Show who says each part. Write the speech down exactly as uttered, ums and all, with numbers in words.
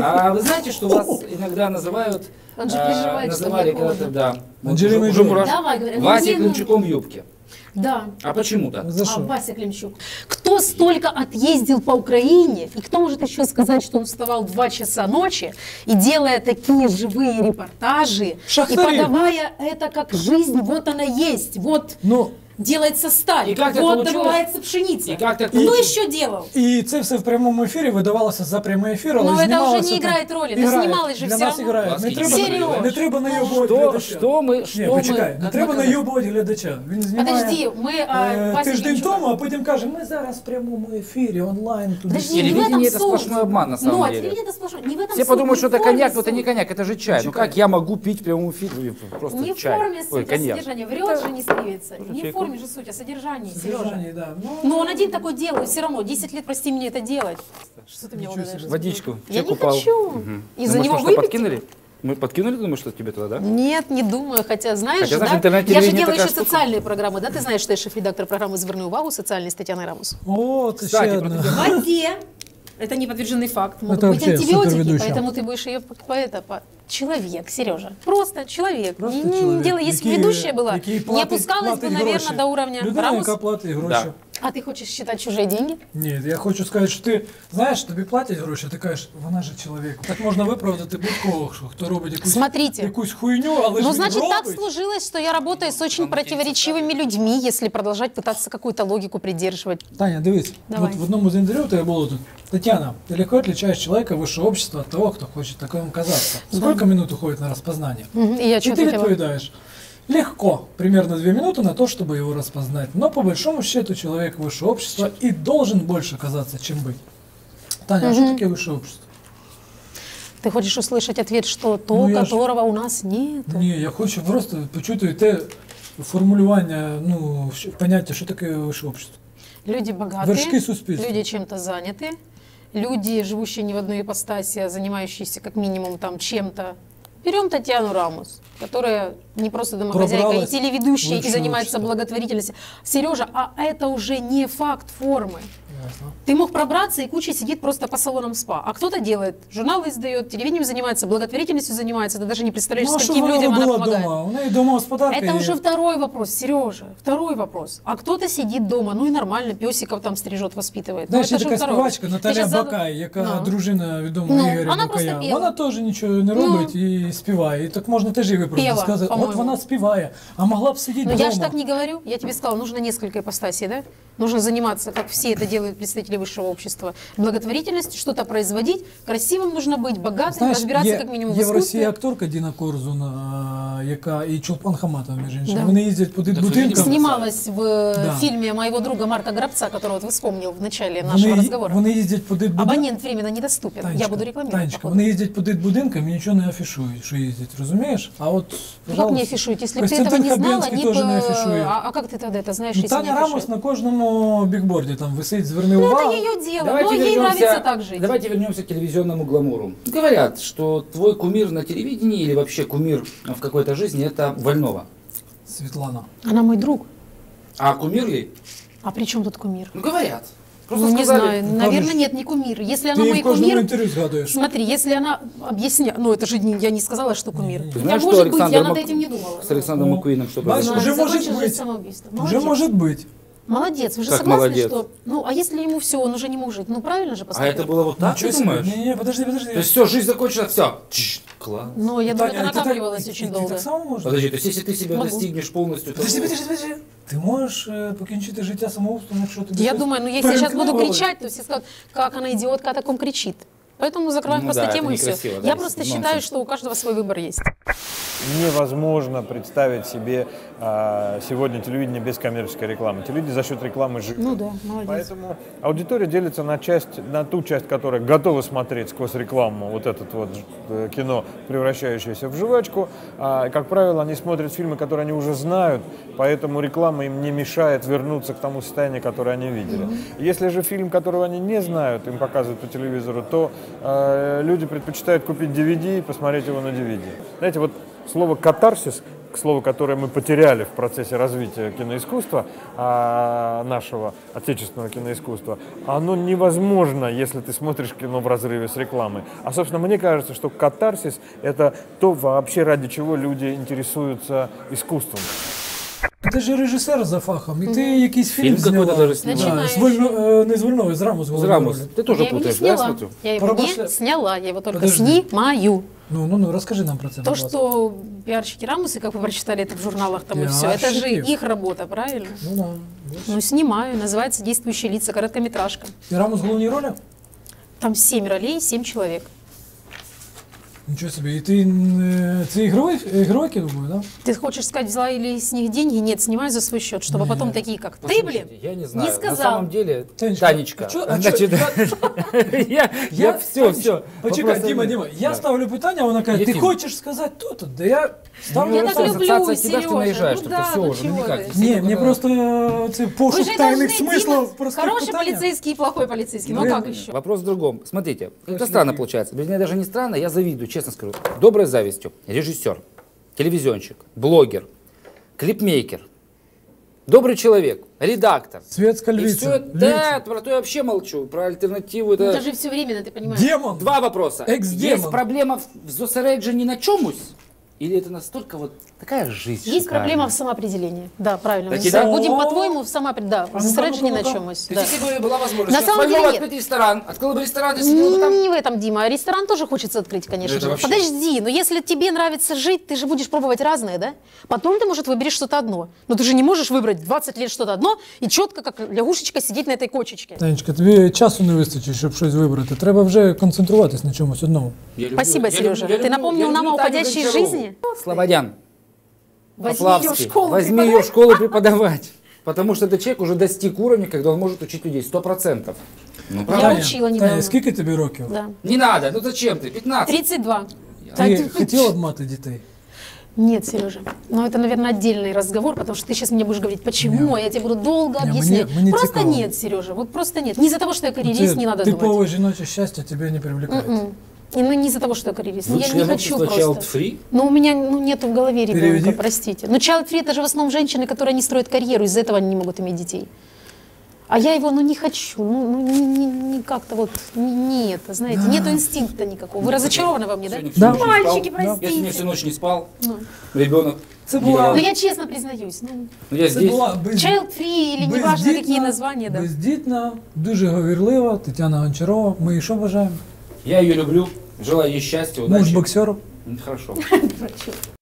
Speaker 1: А вы знаете, что вас иногда называют,
Speaker 2: Он же
Speaker 1: а,
Speaker 2: переживает, что
Speaker 1: называли
Speaker 2: мне
Speaker 1: когда-то, да,
Speaker 3: Анджелиной
Speaker 1: уже
Speaker 3: Джоли.
Speaker 1: мураш-
Speaker 2: Давай, говорят,
Speaker 1: Вася
Speaker 2: ну,
Speaker 1: Климчуком в юбке.
Speaker 2: Да.
Speaker 1: А почему так?
Speaker 3: За
Speaker 2: А,
Speaker 3: что?
Speaker 2: Вася Климчук. Кто столько отъездил по Украине, и кто может еще сказать, что он вставал в два часа ночи и делая такие живые репортажи,
Speaker 3: Шахтари.
Speaker 2: и подавая это как жизнь, вот она есть, вот
Speaker 3: Ну,
Speaker 2: делается сталь,
Speaker 1: И как так
Speaker 2: вот
Speaker 1: получилось?
Speaker 2: добывается пшеница.
Speaker 1: И как так
Speaker 2: Кто
Speaker 1: получилось?
Speaker 2: еще делал?
Speaker 3: і це все в прямому ефірі видавалося за прямий ефір, але
Speaker 2: Ну, це вже
Speaker 3: знімалося
Speaker 2: не
Speaker 3: там-
Speaker 2: грає ролі, ну,
Speaker 3: Грає.
Speaker 2: знімали ж
Speaker 3: Для
Speaker 2: все
Speaker 3: нас
Speaker 2: равно.
Speaker 3: грає. Не
Speaker 1: Серйозно?
Speaker 3: треба, не треба найобувати
Speaker 1: Что,
Speaker 3: глядача.
Speaker 1: что мы, что
Speaker 3: Ні,
Speaker 1: мы...
Speaker 3: почекай, не
Speaker 1: как
Speaker 3: треба
Speaker 1: мы казали?
Speaker 3: найобувати глядача. Він знімає
Speaker 2: Подожди, мы а,
Speaker 3: е,
Speaker 2: Вася
Speaker 3: тиждень
Speaker 2: Климчука.
Speaker 3: тому, а потім каже, ми зараз в прямому ефірі, онлайн. Туди.
Speaker 2: Подожди, не в
Speaker 1: Телевидение
Speaker 2: этом
Speaker 1: это
Speaker 2: суть.
Speaker 1: сплошной обман, на самом
Speaker 2: Ну, а
Speaker 1: деле.
Speaker 2: телевидение это сплошной. Не в этом
Speaker 1: Все
Speaker 2: суть,
Speaker 1: подумают,
Speaker 2: не
Speaker 1: что
Speaker 2: в
Speaker 1: это
Speaker 2: форме
Speaker 1: коньяк, но это
Speaker 2: суть.
Speaker 1: не коньяк, это же чай. Ну
Speaker 3: Чекай.
Speaker 1: как я могу пить в прямом эфире просто
Speaker 2: Не в
Speaker 1: чай?
Speaker 2: форме
Speaker 1: Ой,
Speaker 2: суть, а
Speaker 1: коньяк.
Speaker 2: содержание. Врет же не скривится. Не в
Speaker 1: чайку.
Speaker 2: форме же суть, а содержание, Сережа.
Speaker 3: Содержання, да. Ну,
Speaker 2: Но он один такой делает, все равно. десять лет, прости меня, это делать. Что ты меня
Speaker 3: Ничего
Speaker 2: угадаешь?
Speaker 3: себе.
Speaker 1: Водичку.
Speaker 2: Я
Speaker 1: Чек
Speaker 2: не
Speaker 1: упал.
Speaker 2: хочу.
Speaker 1: Мгм.
Speaker 2: Из-за
Speaker 1: Ну,
Speaker 2: него
Speaker 1: может, что,
Speaker 2: выпить?
Speaker 1: подкинули? Мы подкинули, думаю, что тебе туда, да?
Speaker 2: Нет, не думаю, хотя знаешь,
Speaker 1: Хотя,
Speaker 2: же,
Speaker 1: знаешь,
Speaker 2: да?
Speaker 1: интернет-телевидение
Speaker 2: Я же делаю
Speaker 1: такая
Speaker 2: еще
Speaker 1: штука.
Speaker 2: социальные программы, да? Ты знаешь, что я шеф-редактор программы «Зверни увагу» социальной с Татьяной Рамус.
Speaker 3: О, це
Speaker 1: Кстати,
Speaker 3: ще
Speaker 1: про
Speaker 3: одна.
Speaker 1: таке-
Speaker 2: В воде. Это не подтвержденный факт. Могут
Speaker 3: Это
Speaker 2: быть
Speaker 3: вообще
Speaker 2: антибиотики,
Speaker 3: суперведущая.
Speaker 2: поэтому ты будешь ее по это, по... Человек, Сережа. Просто человек.
Speaker 3: Просто
Speaker 2: не, не
Speaker 3: чоловік,
Speaker 2: делай. Если бы
Speaker 3: який-
Speaker 2: ведущая была,
Speaker 3: який
Speaker 2: не
Speaker 3: платить-
Speaker 2: опускалась бы,
Speaker 3: платить
Speaker 2: наверное,
Speaker 3: гроші.
Speaker 2: до уровня
Speaker 3: Людина,
Speaker 2: Рамус.
Speaker 3: яка платить гроші.
Speaker 1: Да.
Speaker 2: А ты хочешь считать чужие деньги?
Speaker 3: Ні, я хочу сказати, що ти, знаєш, тобі платять гроші, ти кажеш, вона же чоловік. Так можна виправдати будь-кого, що хто робить якусь,
Speaker 2: Смотрите.
Speaker 3: якусь хуйню, але ж
Speaker 2: Ну,
Speaker 3: він
Speaker 2: значит, так
Speaker 3: робить.
Speaker 2: сложилось, что я работаю с очень противоречивыми людьми, если продолжать пытаться какую-то логику придерживать.
Speaker 3: Таня, дивись,
Speaker 2: Давай.
Speaker 3: от в одному з інтерв'ю тебе було тут. Татьяна, ты легко отличаешь человека высшего общества от того, кто хочет таковым казаться. Сколько минут уходит на распознание?
Speaker 2: Мгм, И я
Speaker 3: И
Speaker 2: что
Speaker 3: ты
Speaker 2: ответила?
Speaker 3: отвечаешь. Легко, примерно две минуты на то, чтобы его распознать. Но по большому счету человек высшего общества и должен больше казаться, чем быть. Таня, а что такое высшее общество?
Speaker 2: Ты хочешь услышать ответ, что то,
Speaker 3: Ну, я ж-
Speaker 2: которого у нас нет?
Speaker 3: Ні, я хочу просто почути те формулювання, ну, що- поняття, що таке высшее общество.
Speaker 2: Люди богатые,
Speaker 3: Вершки суспільства.
Speaker 2: люди чем-то заняты, люди, живущие не в одной ипостаси, а занимающиеся как минимум там чем-то. Берем Татьяну Рамус, которая не просто домохозяйка
Speaker 3: Пробралась
Speaker 2: и телеведущая,
Speaker 3: в
Speaker 2: и занимается
Speaker 3: общество.
Speaker 2: благотворительностью. Сережа, а это уже не факт формы.
Speaker 3: Ясно.
Speaker 2: Ты мог пробраться, и куча сидит просто по салонам спа. А кто-то делает, журналы издает, телевидением занимается, благотворительностью занимается. Ты даже не представляешь,
Speaker 3: Ну, а
Speaker 2: с
Speaker 3: що
Speaker 2: каким
Speaker 3: вона
Speaker 2: людям она
Speaker 3: робила
Speaker 2: помогает.
Speaker 3: вдома? У неї домогосподарка
Speaker 2: Это
Speaker 3: є.
Speaker 2: уже второй вопрос, Сережа, второй вопрос. А кто-то сидит дома, ну и нормально, песиков там стрижет, воспитывает.
Speaker 3: Знаєш,
Speaker 2: ну,
Speaker 3: є
Speaker 2: это же
Speaker 3: така
Speaker 2: второй
Speaker 3: співачка
Speaker 2: вопрос. Ты
Speaker 3: Наталя
Speaker 2: щас зад-
Speaker 3: Бакай, яка
Speaker 2: Ну.
Speaker 3: дружина відомого
Speaker 2: Ну,
Speaker 3: Ігоря
Speaker 2: вона
Speaker 3: Бакая.
Speaker 2: просто пела.
Speaker 3: Вона теж нічого не робить і співає. І так можна теж її виправити.
Speaker 2: Пела,
Speaker 3: Сказати, от
Speaker 2: по-моєму.
Speaker 3: вона співає, а могла б сидіти
Speaker 2: Но
Speaker 3: вдома.
Speaker 2: я же так не говорю. Я тебе сказала, нужно несколько ипостасей, да? Нужно заниматься, как все это делают представители высшего общества, благотворительностью, что-то производить. Красивым нужно быть, богатым,
Speaker 3: Знаєш,
Speaker 2: разбираться
Speaker 3: є,
Speaker 2: как минимум в
Speaker 3: є в Росії
Speaker 2: искусстве.
Speaker 3: акторка Діна Корзун, а, яка і Чулпан Хаматова, між іншим.
Speaker 2: Да.
Speaker 3: Вони їздять по будинкам.
Speaker 2: Снималась в э,
Speaker 3: Да.
Speaker 2: фильме моего друга Марка Грабца, которого вот вы вспомнил в начале
Speaker 3: Вони,
Speaker 2: нашего разговора.
Speaker 3: вони їздять по дитбудинкам.
Speaker 2: Абонент временно недоступен. Я буду рекламировать.
Speaker 3: Танечка,
Speaker 2: походу.
Speaker 3: вони їздять по дитбудинкам і нічого не афішують, що їздять, розумієш? А от,
Speaker 2: Ну, как
Speaker 3: пожалуйста,
Speaker 2: не афишуют? Если бы ты этого
Speaker 3: Костянтин
Speaker 2: не знала,
Speaker 3: Хабенський
Speaker 2: не
Speaker 3: теж не
Speaker 2: по-
Speaker 3: афішує.
Speaker 2: а, а как ты тогда это знаешь,
Speaker 3: Ну,
Speaker 2: если не
Speaker 3: Таня Рамос
Speaker 2: афишируют?
Speaker 3: на кожному бікборді там висить, зверни
Speaker 2: Ну,
Speaker 3: увагу.
Speaker 2: это ее дело,
Speaker 1: Давайте
Speaker 2: но ей
Speaker 1: вернемся,
Speaker 2: нравится так жить.
Speaker 1: давайте вернемся к телевизионному гламуру. Говорят, что твой кумир на телевидении или вообще кумир в какой-то жизни – это Вольнова.
Speaker 3: Світлана.
Speaker 2: Она мой друг.
Speaker 1: А кумир ли?
Speaker 2: А при чем тут кумир?
Speaker 1: Ну, говорят. Просто
Speaker 2: Ну, не
Speaker 1: сказали.
Speaker 2: знаю,
Speaker 3: Ну,
Speaker 2: наверное,
Speaker 3: кажешь,
Speaker 2: нет, не кумир. Если
Speaker 3: Ти
Speaker 2: она
Speaker 3: її
Speaker 2: мой
Speaker 3: в кожному
Speaker 2: кумир,
Speaker 3: інтерв'ю згадуєш.
Speaker 2: смотри, если она объясняет, ну это же не- я не сказала, что кумир.
Speaker 3: Не-не-не.
Speaker 1: Ты
Speaker 2: Хотя,
Speaker 1: знаешь, что
Speaker 2: может быть, я
Speaker 1: Александр
Speaker 2: над
Speaker 1: Мак-
Speaker 2: этим не думала.
Speaker 1: С Александром
Speaker 3: Ну,
Speaker 1: Маккуином что
Speaker 3: бачишь,
Speaker 1: произошло?
Speaker 3: уже может
Speaker 2: закончилось
Speaker 3: быть.
Speaker 2: самоубийством.
Speaker 3: Уже
Speaker 2: Молодец.
Speaker 3: может быть.
Speaker 2: Молодец, вы же
Speaker 1: Как
Speaker 2: согласны,
Speaker 1: молодец?
Speaker 2: что... Ну, а если ему все, он уже не может жить? Ну, правильно же
Speaker 1: А
Speaker 2: поступил?
Speaker 1: это было вот так,
Speaker 3: Ничего
Speaker 1: ты
Speaker 3: себе.
Speaker 1: думаешь?
Speaker 3: Не-не, подожди, подожди.
Speaker 1: То есть все, жизнь закончена, все. Класс.
Speaker 2: Ну, я думаю,
Speaker 3: Таня,
Speaker 2: это
Speaker 3: ти так-
Speaker 2: накапливалось
Speaker 3: ти-
Speaker 2: очень
Speaker 3: ти
Speaker 2: долго.
Speaker 3: так само можеш?
Speaker 1: Подожди, то есть если ты себя
Speaker 2: Могу.
Speaker 1: достигнешь полностью, то...
Speaker 3: Подожди, подожди, подожди. Ти можеш е, покінчити життя самоубством, якщо тобі
Speaker 2: Я
Speaker 3: щось
Speaker 2: думаю, ну если я сейчас буду
Speaker 3: переклали?
Speaker 2: кричать, то все скажут, как она идиотка о таком кричит. Поэтому закроем
Speaker 1: Ну
Speaker 2: просто
Speaker 1: да,
Speaker 2: тему
Speaker 1: это
Speaker 2: и все.
Speaker 1: некрасиво, да,
Speaker 2: Я
Speaker 1: если
Speaker 2: просто
Speaker 1: нонсенс.
Speaker 2: считаю, что у каждого свой выбор есть.
Speaker 4: Невозможно представить себе а, сегодня телевидение без коммерческой рекламы. Телевидение за счет рекламы живет.
Speaker 2: Ну да, молодец.
Speaker 4: Поэтому аудитория делится на часть, на ту часть, которая готова смотреть сквозь рекламу вот это вот э, кино, превращающееся в жвачку. А, как правило, они смотрят фильмы, которые они уже знают, поэтому реклама им не мешает вернуться к тому состоянию, которое они видели. Mm-hmm. Если же фильм, которого они не знают, им показывают по телевизору, то э, люди предпочитают купить ди ви ди и посмотреть его на ди ви ди. Знаете, вот слово «катарсис», к слову, которое мы потеряли в процессе развития киноискусства, а, нашего отечественного киноискусства, оно невозможно, если ты смотришь кино в разрыве с рекламой. А, собственно, мне кажется, что катарсис – это то вообще, ради чего люди интересуются искусством.
Speaker 3: Ти ж режисер за фахом, і ти якийсь фільм,
Speaker 1: Фільм
Speaker 3: зняла.
Speaker 1: какой-то даже сняла.
Speaker 3: Да, з Вольно- е, не з Вольнової, з Раму з головою.
Speaker 1: Рамус, ты тоже
Speaker 2: Я его не
Speaker 1: путаешь, да,
Speaker 2: сняла.
Speaker 1: смотрю?
Speaker 2: Я его
Speaker 3: Пробашля-
Speaker 2: не сняла, я его только
Speaker 3: Подожди.
Speaker 2: снимаю.
Speaker 3: Ну, ну, ну, розкажи нам про це,
Speaker 2: То,
Speaker 3: будь ласка.
Speaker 2: что пиарщики Рамусы, как вы прочитали это в журналах там и все, это же
Speaker 3: Пиарщики.
Speaker 2: их работа, правильно?
Speaker 3: Ну, да.
Speaker 2: Ну, снимаю, называется «Действующие лица», короткометражка.
Speaker 3: І Рамус в головній ролі?
Speaker 2: Там семь ролей, семь человек.
Speaker 3: Нічого собі. І ти е, це ігровий, ігрове кіно буде, да?
Speaker 2: Ты хочешь сказать, взяла ли с них деньги? Нет, снимаю за свой счет, чтобы потом такие, как ты, блин,
Speaker 1: Послушайте, я не знаю.
Speaker 2: сказал.
Speaker 1: На самом деле,
Speaker 3: Танечка,
Speaker 1: Танечка,
Speaker 3: а чё- а
Speaker 1: значит,
Speaker 3: чё-
Speaker 1: я, я все, все.
Speaker 3: Почекай, Діма, Діма, я ставлю питання, вона каже, ти
Speaker 1: Яким?
Speaker 3: хочеш сказати то-то? Да я ставлю
Speaker 2: Я так
Speaker 3: питання.
Speaker 2: люблю,
Speaker 1: ассоциация от тебя, что
Speaker 2: Сережа,
Speaker 1: наезжаешь,
Speaker 2: ну
Speaker 1: что-то
Speaker 2: да,
Speaker 1: все
Speaker 2: ну
Speaker 1: уже, ну
Speaker 2: чего
Speaker 1: никак.
Speaker 2: ты?
Speaker 1: Все
Speaker 3: Ні,
Speaker 1: только
Speaker 3: мені
Speaker 1: на-
Speaker 3: просто е, це
Speaker 2: Вы
Speaker 3: пошук
Speaker 2: же
Speaker 3: тайних
Speaker 2: должны,
Speaker 3: смислів
Speaker 2: Дима,
Speaker 3: в простих
Speaker 2: хороший
Speaker 3: питаннях.
Speaker 2: полицейский и плохой полицейский. Ну
Speaker 3: Блин.
Speaker 2: как еще?
Speaker 1: Вопрос в другом. Смотрите, это странно получается. Вернее, даже не странно, я завидую, честно скажу. Доброй завистью. Режиссер, телевизионщик, блогер, клипмейкер, добрый человек, редактор.
Speaker 3: Светская
Speaker 1: И
Speaker 3: львица.
Speaker 1: все это, да, про то я вообще молчу. Про альтернативу это...
Speaker 2: Это же все временно, ты понимаешь?
Speaker 3: Демон.
Speaker 1: Два вопроса.
Speaker 3: Экс-демон.
Speaker 1: Есть проблема в зосереджении на чомусь? Или это настолько вот такая жизнь
Speaker 2: Есть
Speaker 1: шикарная?
Speaker 2: проблема в самоопределении. Да, правильно.
Speaker 1: Так
Speaker 2: Мы
Speaker 1: и да?
Speaker 2: будем,
Speaker 3: О.
Speaker 2: по-твоему, в самоопределении. Да,
Speaker 3: А
Speaker 2: в
Speaker 3: ну-ка,
Speaker 2: зосереджении
Speaker 3: ну-ка,
Speaker 2: на
Speaker 3: ну-ка.
Speaker 2: чемусь.
Speaker 1: То
Speaker 2: Да.
Speaker 1: есть, если бы была возможность
Speaker 2: На самом
Speaker 1: Вольнова
Speaker 2: деле нет.
Speaker 1: открыть ресторан, открыла бы ресторан, и сидела бы
Speaker 2: Ну,
Speaker 1: там...
Speaker 2: не в этом, Дима. Ресторан тоже хочется открыть, конечно
Speaker 1: Это
Speaker 2: же.
Speaker 1: вообще.
Speaker 2: Подожди, но если тебе нравится жить, ты же будешь пробовать разное, да? Потом ты, может, выберешь что-то одно. Но ты же не можешь выбрать двадцать лет что-то одно и четко, как лягушечка, сидеть на этой кочечке.
Speaker 3: Танечка, тобі часу не вистачить, щоб щось вибрати. Треба вже концентруватись на чомусь одному.
Speaker 1: Я люблю-
Speaker 2: Спасибо,
Speaker 1: я
Speaker 2: Сережа.
Speaker 1: люблю- я
Speaker 2: Ты
Speaker 1: люблю-
Speaker 2: напомнил
Speaker 1: я
Speaker 2: нам
Speaker 1: люблю
Speaker 2: о
Speaker 1: Таню
Speaker 2: уходящей
Speaker 1: Гончарову.
Speaker 2: жизни.
Speaker 1: Слободян.
Speaker 2: Возьми ее в
Speaker 1: Поплавский.
Speaker 2: школу
Speaker 1: Возьми ее в школу преподавать. Потому что этот человек уже достиг уровня, когда он может учить людей. Сто процентов. Ну,
Speaker 2: Я
Speaker 1: правда?
Speaker 2: учила недавно.
Speaker 3: Таня, скільки тобі років?
Speaker 2: Да.
Speaker 1: Не надо, ну зачем ты? пятнадцать.
Speaker 2: тридцать два.
Speaker 3: Ти хотіла б мати дітей?
Speaker 2: Нет, Сережа. Но это, наверное, отдельный разговор, потому что ты сейчас мне будешь говорить, почему, а я тебе буду долго
Speaker 3: Не,
Speaker 2: объяснять.
Speaker 3: мне- мне
Speaker 2: Просто
Speaker 3: цікаво.
Speaker 2: нет, Сережа, вот просто нет. Не из-за того, что я карьерист,
Speaker 3: Це
Speaker 2: не надо думать.
Speaker 3: типове жіноче щастя тебе не привлекает.
Speaker 2: М-м. И, ну, не из-за того, что я карьерист.
Speaker 1: Вы
Speaker 2: Я не
Speaker 1: член
Speaker 2: хочу
Speaker 1: общества
Speaker 2: просто.
Speaker 1: Child Free?
Speaker 2: Но у меня ну, нету в голове ребенка,
Speaker 3: Переведи.
Speaker 2: простите. Но child free это же в основном женщины, которые не строят карьеру, из-за этого они не могут иметь детей. А я его, ну, не хочу, ну, ну не, не, не как-то вот, не, не это, знаете, нету инстинкта никакого. Вы разочарованы во мне, да?
Speaker 1: Сегодня всю
Speaker 3: Да.
Speaker 1: ночь не спал.
Speaker 2: Мальчики,
Speaker 1: Я сегодня
Speaker 2: простите.
Speaker 1: всю ночь не спал.
Speaker 2: Ну.
Speaker 1: Ребенок.
Speaker 3: Це була-
Speaker 2: Но
Speaker 1: Ну,
Speaker 2: я честно признаюсь, ну,
Speaker 1: я
Speaker 3: Це
Speaker 1: здесь.
Speaker 3: була без-
Speaker 2: child free или неважно
Speaker 3: бездітна-
Speaker 2: какие названия, да.
Speaker 3: бездітна, дуже говірлива Тетяна Гончарова. Ми її що бажаємо?
Speaker 1: Я ее люблю. Желаю ей счастья,
Speaker 3: Муж
Speaker 1: удачи.
Speaker 3: боксеру.
Speaker 1: Хорошо.
Speaker 2: Врачу.